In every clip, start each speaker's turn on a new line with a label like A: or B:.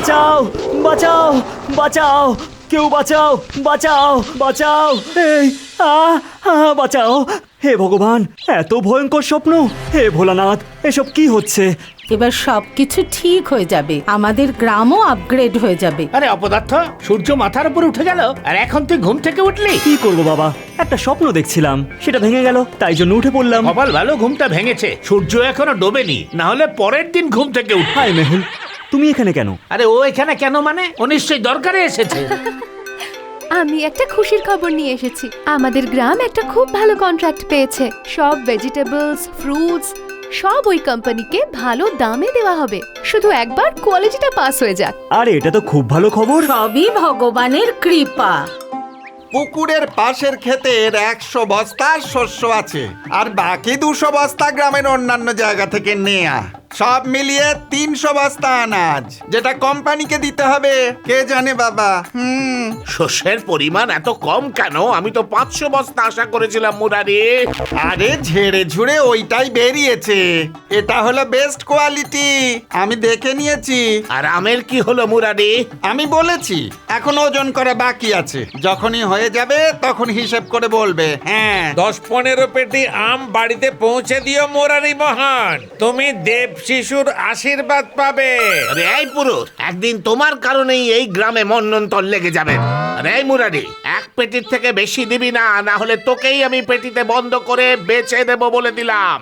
A: বাঁচাও বাঁচাও বাঁচাও, কেউ বাঁচাও বাঁচাও বাঁচাও, এই বাঁচাও। হে ভগবান, এত ভয়ঙ্কর স্বপ্ন! হে ভোলানাথ, এসব কি হচ্ছে?
B: এবার সবকিছু ঠিক হয়ে যাবে, আমাদের গ্রামও আপগ্রেড হয়ে যাবে।
C: আরে অপদার্থ, সূর্য মাথার উপর উঠে গেল আর এখন তুই ঘুম থেকে উঠলি?
A: কি করবো বাবা, একটা স্বপ্ন দেখছিলাম, সেটা ভেঙে গেল, তাই জন্য উঠে পড়লাম।
C: কপাল ভালো ঘুমটা ভেঙেছে, সূর্য এখনো ডোবেনি, না হলে পরের দিন ঘুম থেকে উঠ।
A: হাই মেহুল, তুমি এখানে কেন?
C: আরে ও এখানে কেন মানে, ও নিশ্চয়ই দরকারে এসেছে।
D: আমি একটা খুশির খবর নিয়ে এসেছি। আমাদের গ্রাম একটা খুব ভালো কন্ট্রাক্ট পেয়েছে। সব ভেজিটেবলস, ফ্রুটস সব ওই কোম্পানিকে ভালো দামে দেওয়া হবে, শুধু একবার কোয়ালিটিটা পাস হয়ে যাক।
A: আরে এটা তো খুব ভালো খবর।
B: সবই ভগবানের কৃপা।
E: পুকুরের পাশের ক্ষেতের 100 বস্তা শস্য আছে, আর বাকি 200 বস্তা গ্রামের অন্যান্য জায়গা থেকে নেয়া। সব মিলিয়ে 300 বস্তা আনাজ, যেটা কোম্পানিকে দিতে হবে। কে জানে বাবা।
C: শস্যের পরিমাণ এত কম কেন? আমি তো 500 বস্তা আশা করেছিলাম মুরারি।
E: আরে ঝেড়ে ঝুড়ে ওইটাই বেরিয়েছে। এটা হলো বেস্ট কোয়ালিটি, আমি দেখে নিয়েছি।
C: আর আমের কি হলো মুরারি?
E: আমি বলেছি এখন ওজন করা বাকি আছে, যখনই হয়ে যাবে তখন হিসেব করে বলবে। হ্যাঁ,
F: 10-15 পেটি আম বাড়িতে পৌঁছে দিও মুরারি মহান, তুমি দেব শিশুর আশীর্বাদ পাবে।
C: আরে এই পুরুষ, একদিন তোমার কারণেই এই গ্রামে মন্বন্তর লেগে যাবে। আরে এই মুরারি, এক পেটির থেকে বেশি দিবি না, না হলে তোকেই আমি পেটিতে বন্ধ করে বেচে দেব বলে দিলাম।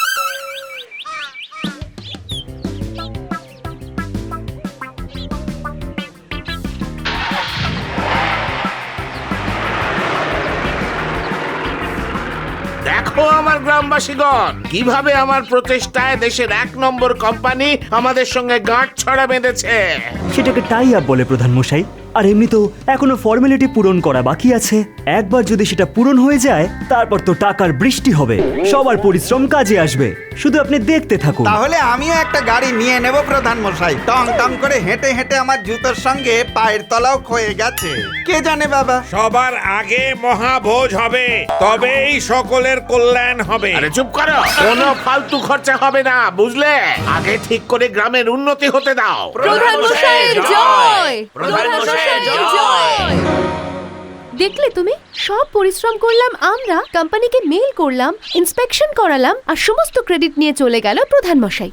C: দেখো আমার গ্রামবাসীগণ, কিভাবে আমার প্রচেষ্টায় দেশের 1 নম্বর কোম্পানি আমাদের সঙ্গে গাঁট ছড়া বেঁধেছে।
A: সেটাকে টাই আপ বলে প্রধান মশাই। আর এমনি তো এখনো ফর্মালিটি পূরণ করা বাকি আছে। একবার যদি সেটা পূরণ হয়ে যায়, তারপর তো টাকার বৃষ্টি হবে, সবার পরিশ্রম কাজে আসবে। শুধু আপনি দেখতে থাকুন।
E: তাহলে আমিও একটা গাড়ি নিয়ে নেব প্রধান মশাই। টং টং করে হেঁটে হেঁটে আমার জুতোর সঙ্গে পায়ের তলাও ক্ষয়ে গেছে। কে জানে বাবা।
F: সবার আগে মহাভোজ হবে, তবেই সকলের কল্যাণ হবে।
C: আরে চুপ করো, কোনো ফালতু খরচা হবে না, বুঝলে? আগে ঠিক করে গ্রামের উন্নতি হতে দাও।
D: প্রধান মশাইয়ের জয়!
C: প্রধান মশাইয়ের
D: জয়! দেখলে তুমি, সব পরিশ্রম করলাম আমরা, কোম্পানিকে মেইল করলাম, ইন্সপেকশন করালাম, আর সমস্ত ক্রেডিট নিয়ে চলে গেল প্রধান মশাই।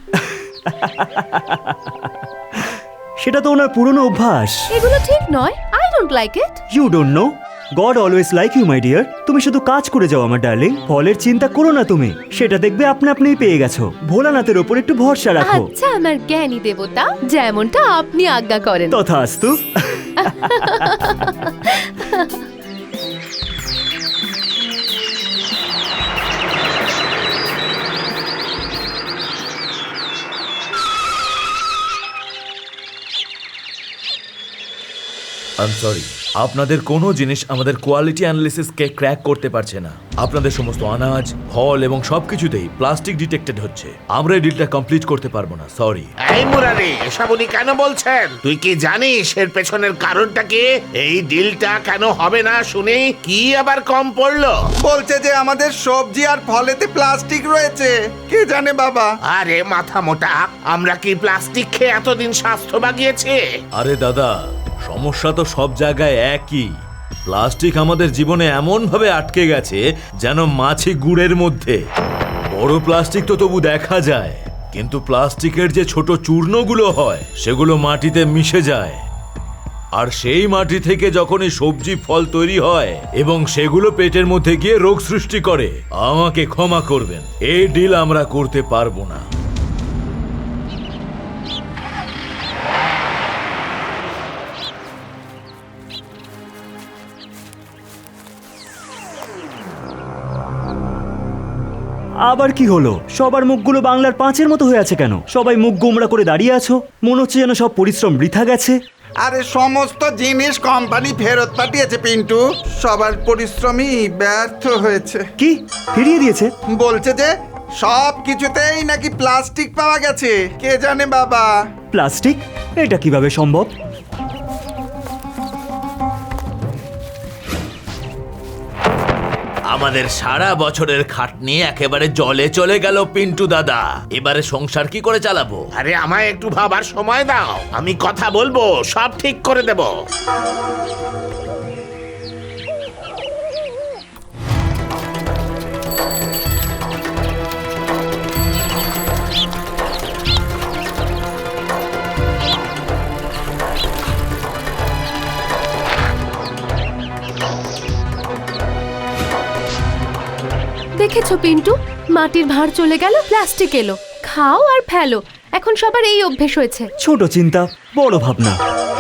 A: সেটা তো ওনার পুরনো অভ্যাস।
D: এগুলো ঠিক নয়। I don't like it.
A: You don't know, God always like you my dear. তুমি শুধু কাজ করে যাও আমার ডার্লিং, ফলের চিন্তা করো না তুমি, সেটা দেখবে আপনি আপনিই পেয়ে গেছো। ভোলানাথের ওপর একটু ভরসা রাখো।
D: আচ্ছা আমার জ্ঞানী দেবতা, যেমনটা আপনি আজ্ঞা করেন।
A: তথাস্তু।
G: আই এম সরি, আপনাদের কোনো জিনিস আমাদের কোয়ালিটি অ্যানালিসিসকে ক্র্যাক করতে পারছে না। আপনাদের সমস্ত আনাজ, ফল এবং সবকিছুতেই প্লাস্টিক ডিটেক্টেড হচ্ছে। আমরা এই ডিলটা কমপ্লিট করতে পারবো না, সরি।
C: এই মুরারি, এসব উনি কেন বলছেন? তুই কি জানিস এর পেছনের কারণটা কি? এই ডিলটা কেন হবে না শুনি? কি আবার কম পড়লো?
E: বলছে যে আমাদের সবজি আর ফলেতে প্লাস্টিক রয়েছে। কে জানে বাবা।
C: আরে মাথা মোটা, আমরা কি প্লাস্টিক খেয়ে এতদিন স্বাস্থ্য বাগিয়েছি?
G: আরে দাদা, সমস্যা তো সব জায়গায় একই। প্লাস্টিক আমাদের জীবনে এমন ভাবে আটকে গেছে যেন মাছি গুড়ের মধ্যে। বড় প্লাস্টিক তো তবু দেখা যায়, কিন্তু প্লাস্টিকের যে ছোট চূর্ণগুলো হয় সেগুলো মাটিতে মিশে যায়। আর সেই মাটি থেকে যখনই সবজি ফল তৈরি হয় এবং সেগুলো পেটের মধ্যে গিয়ে রোগ সৃষ্টি করে, আমাকে ক্ষমা করবেন, এই ডিল আমরা করতে পারবো না।
A: আবার কি হলো? সবার মুখগুলো বাংলার 5-এর মতো হয়ে আছে কেন? সবাই মুখ গোমড়া করে দাঁড়িয়ে আছো, মনে হচ্ছে যেন সব পরিশ্রম বৃথা গেছে।
E: আরে সমস্ত জিনিস কোম্পানি ফেরত পাঠিয়েছে পিন্টু, সবার পরিশ্রমই ব্যর্থ হয়েছে।
A: কি ফিরিয়ে দিয়েছে?
E: বলছে যে সব কিছুতেই নাকি প্লাস্টিক পাওয়া গেছে। কে জানে বাবা।
A: প্লাস্টিক? এটা কিভাবে সম্ভব?
G: আমাদের সারা বছরের খাটনি একেবারে জলে চলে গেল পিন্টু দাদা। এবারে সংসার কি করে চালাবো?
C: আরে আমায় একটু ভাবার সময় দাও, আমি কথা বলবো, সব ঠিক করে দেব।
D: দেখেছো পিন্টু, মাটির ভাঁড় চলে গেল, প্লাস্টিক এলো। খাও আর ফেলো, এখন সবার এই অভ্যেস হয়েছে।
A: ছোট চিন্তা বড় ভাবনা।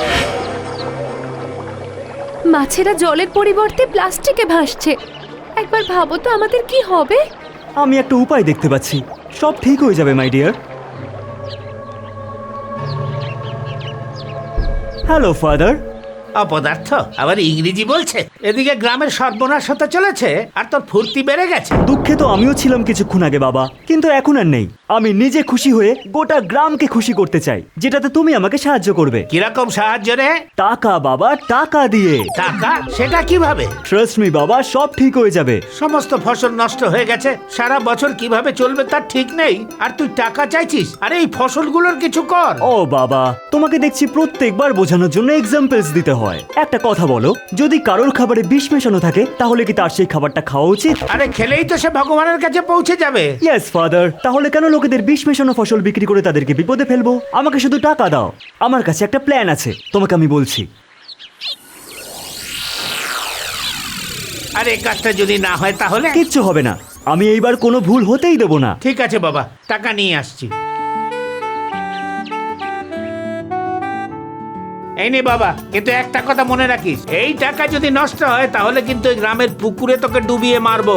D: মাছেরা জলের পরিবর্তে প্লাস্টিকে ভাসছে। একবার ভাবো তো আমাদের কি হবে।
A: আমি একটা উপায় দেখতে পাচ্ছি, সব ঠিক হয়ে যাবে মাই ডিয়ার। Hello father.
C: অপদার্থ আবার ইংরেজি বলছে, এদিকে গ্রামের সর্বনাশ হতে চলেছে আর তোর ফুর্তি বেড়ে গেছে।
A: দুঃখে তো আমিও ছিলাম কিছুক্ষণ আগে বাবা, কিন্তু এখন আর নেই। আমি নিজে খুশি হয়ে গোটা গ্রামকে খুশি করতে চাই, যেটাতে তুমি আমাকে সাহায্য করবে।
C: কিরকম সাহায্য রে?
A: টাকা বাবা, টাকা দিয়ে।
C: টাকা? সেটা কিভাবে?
A: ট্রাস্ট মি বাবা, সব ঠিক হয়ে যাবে।
C: সমস্ত ফসল নষ্ট হয়ে গেছে, সারা বছর কিভাবে চলবে তার ঠিক নেই, আর তুই টাকা চাইছিস? আরে এই ফসলগুলোর কিছু কর।
A: ও বাবা, তোমাকে দেখছি প্রত্যেকবার বোঝানোর জন্য এক্সাম্পলস দিতে হয়। একটা কথা বলো, যদি কারোর খাবারে বিষ মেশানো থাকে তাহলে কি তার সেই খাবারটা খাওয়া উচিত?
C: আরে খেলেই তো সে ভগবানের কাছে পৌঁছে যাবে।
A: Yes father. তাহলে কেন লোকেদের বিষ মেশানো ফসল বিক্রি করে তাদেরকে বিপদে ফেলবো? আমাকে শুধু টাকা দাও, আমার কাছে একটা প্ল্যান আছে, তোমাকে আমি বলছি।
C: আর এই কাজটা যদি না হয় তাহলে?
A: কিচ্ছু হবে না, আমি এইবার কোনো ভুল হতেই দেবো না।
C: ঠিক আছে বাবা, টাকা নিয়ে আসছি। এই নে বাবা, কিন্তু একটা কথা মনে রাখিস, এই টাকা যদি নষ্ট হয় তাহলে কিন্তু এই গ্রামের পুকুরে তোকে ডুবিয়ে মারবো।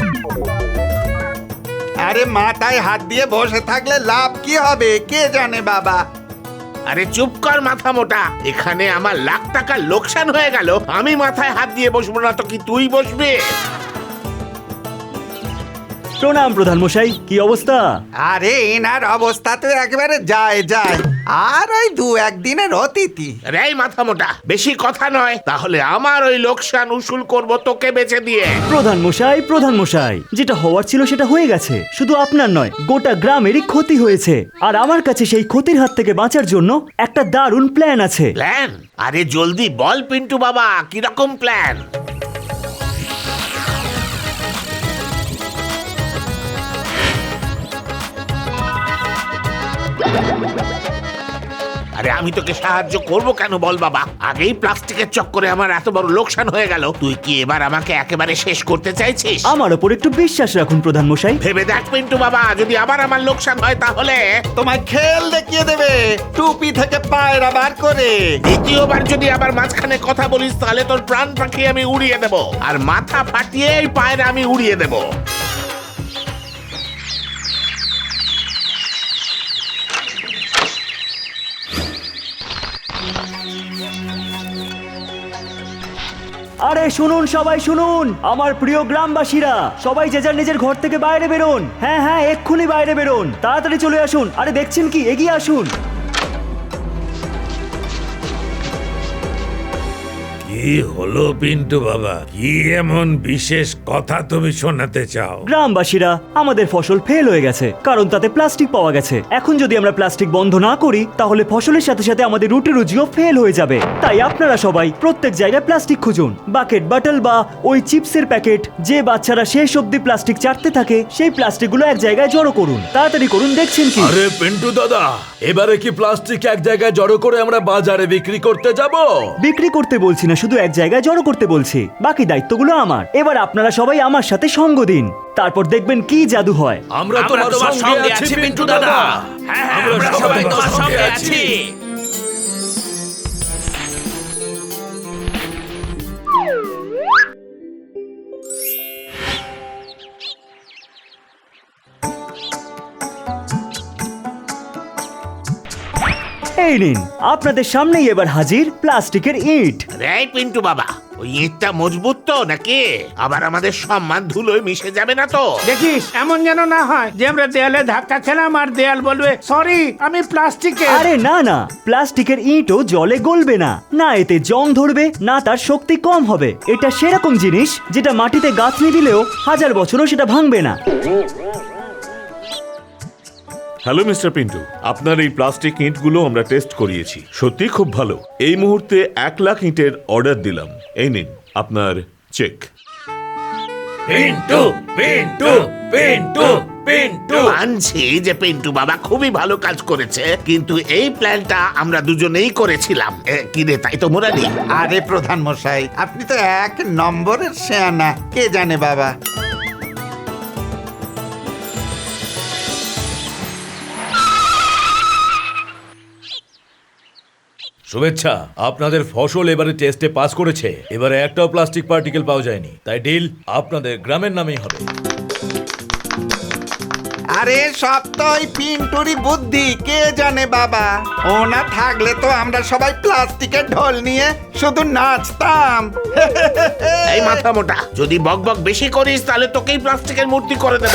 E: আরে মাথায় হাত দিয়ে বসে থাকলে লাভ কি হবে কে জানে বাবা।
C: আরে চুপ কর মাথা মোটা, এখানে আমার লাখ টাকা লোকসান হয়ে গেল, আমি মাথায় হাত দিয়ে বসবো না তো কি তুই বসবি?
A: প্রণাম প্রধান মশাই, কি অবস্থা?
E: আরে এনার অবস্থা তো একেবারে যায় যায়, আর ওই 2-1 দিনের অতিথি।
C: রে মাথা মোটা, বেশি কথা নয়, তাহলে আমার ওই লোকসান উসুল করব তোকে বেচে দিয়ে।
A: প্রধান মশাই, প্রধান মশাই, যেটা হওয়ার ছিল সেটা হয়ে গেছে। শুধু আপনার নয়, গোটা গ্রামেরই ক্ষতি হয়েছে, আর আমার কাছে সেই ক্ষতির হাত থেকে বাঁচার জন্য একটা দারুণ প্ল্যান আছে।
C: প্ল্যান? আরে জলদি বল পিন্টু বাবা, কিরকম প্ল্যান? আরে আমি তোকে সাহায্য করব কেন বল বাবা, আগেই প্লাস্টিকের চক্করে আমার এত বড় লোকসান হয়ে গেল, তুই কি এবার আমাকে একেবারে শেষ করতে চাইছিস?
A: আমার ওপর একটু বিশ্বাস রাখুন প্রধান মশাই।
C: ভেবে দেখ পিন্টু বাবা, যদি আবার আমার লোকসান হয় তাহলে?
E: তোমায় খেল দেখিয়ে দেবে, টুপি থেকে পায়রা বার করে।
C: দ্বিতীয়বার যদি আবার মাঝখানে কথা বলিস তাহলে তোর প্রাণ পাখি আমি উড়িয়ে দেব, আর মাথা ফাটিয়ে এই পায়রা আমি উড়িয়ে দেব।
A: আরে শুনুন, সবাই শুনুন, আমার প্রিয় গ্রামবাসীরা, সবাই যে যার নিজের ঘর থেকে বাইরে বেরোন। হ্যাঁ হ্যাঁ, এক্ষুনি বাইরে বেরোন, তাড়াতাড়ি চলে আসুন। আরে দেখছেন কি, এগিয়ে আসুন।
F: কি হলো পিন্টু বাবা, কি এমন বিশেষ কথা তুমি শোনাতে চাও?
A: গ্রামবাসীরা, আমাদের ফসল ফেল হয়ে গেছে, কারণ তাতে প্লাস্টিক পাওয়া গেছে। এখন যদি আমরা প্লাস্টিক বন্ধ না করি তাহলে ফসলের সাথে সাথে আমাদের রুটি রুজিও ফেল হয়ে যাবে। তাই আপনারা সবাই প্রত্যেক জায়গায় প্লাস্টিক খুঁজুন। বাকেট, বাটল বা ওই চিপসের প্যাকেট, যে বাচ্চারা শেষ অব্দি প্লাস্টিক চাটতে থাকে, সেই প্লাস্টিকগুলো এক জায়গায় জড়ো করুন। তাড়াতাড়ি করুন, দেখছেন কি?
G: আরে পিন্টু দাদা, এবারে কি প্লাস্টিক এক জায়গায় জড়ো করে আমরা বাজারে বিক্রি করতে যাব?
A: বিক্রি করতে বলছি না, শুধু এক জায়গায় জড়ো করতে বলছি। বাকি দায়িত্বগুলো আমার। এবার আপনারা সবাই আমার সাথে সঙ্গ দিন, তারপর দেখবেন কি জাদু হয়।
G: আমরা তোমার সঙ্গে আছি পিন্টু দাদা।
C: হ্যাঁ,
G: আমরা সবাই তোমার সঙ্গে আছি।
A: এই নিন, আপনাদের সামনেই এবার হাজির প্লাস্টিকের ইট।
C: রে পিন্টু বাবা, ওই ইঁটটা মজবুত তো নাকি? আবার আমাদের সম্মান ধুলোয় মিশে যাবে না তো?
H: দেখিস এমন যেন না হয় যে আমরা দেয়ালে ধাক্কা খেলাম আর দেয়াল বলবে সরি আমি প্লাস্টিকের।
A: আরে না না, প্লাস্টিকের ইঁটও জলে গলবে না, না এতে জং ধরবে, না তার শক্তি কম হবে। এটা সেরকম জিনিস যেটা মাটিতে গাঁথনি দিলেও 1000 বছরও সেটা ভাঙবে না।
I: হ্যালো মিস্টার পিন্টু, আপনার এই প্লাস্টিক ইঁটগুলো আমরা টেস্ট করিয়েছি, সত্যি খুব ভালো। এই মুহূর্তে 1 লাখ ইঁটের অর্ডার দিলাম। এই নিন আপনার চেক।
F: পিন্টু পিন্টু পিন্টু পিন্টু
C: মানছি যে পিন্টু বাবা খুবই ভালো কাজ করেছে, কিন্তু এই প্ল্যানটা আমরা দুজনেই করেছিলাম। কি রে, তাই তো মুরারি?
E: আরে প্রধান মশাই, আপনি তো 1 নম্বরের শেয়ানা, কে জানে বাবা।
G: শুভেচ্ছা, আপনাদের ফসল এবারে টেস্টে পাস করেছে। এবারে একটাও প্লাস্টিক পার্টিকেল পাওয়া যায়নি, তাই ডিল আপনাদের গ্রামের নামেই হবে।
E: আরে সব তো ওই পিন্টুরি বুদ্ধি, কে জানে বাবা। ও না থাকলে তো আমরা সবাই প্লাস্টিকের ঢোল নিয়ে শুধু নাচতাম।
C: এই মাথা মোটা, যদি বকবক বেশি করিস তাহলে তোকেই প্লাস্টিকের মূর্তি করে দেব।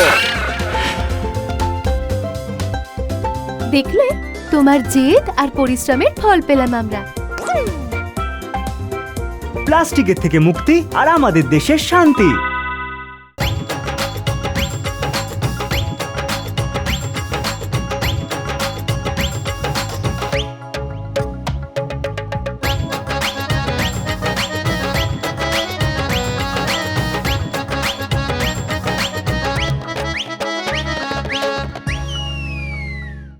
D: দেখলে, তোমার জেদ আর পরিশ্রমের ফল পেলাম আমরা।
A: প্লাস্টিকের থেকে মুক্তি আর আমাদের দেশের শান্তি।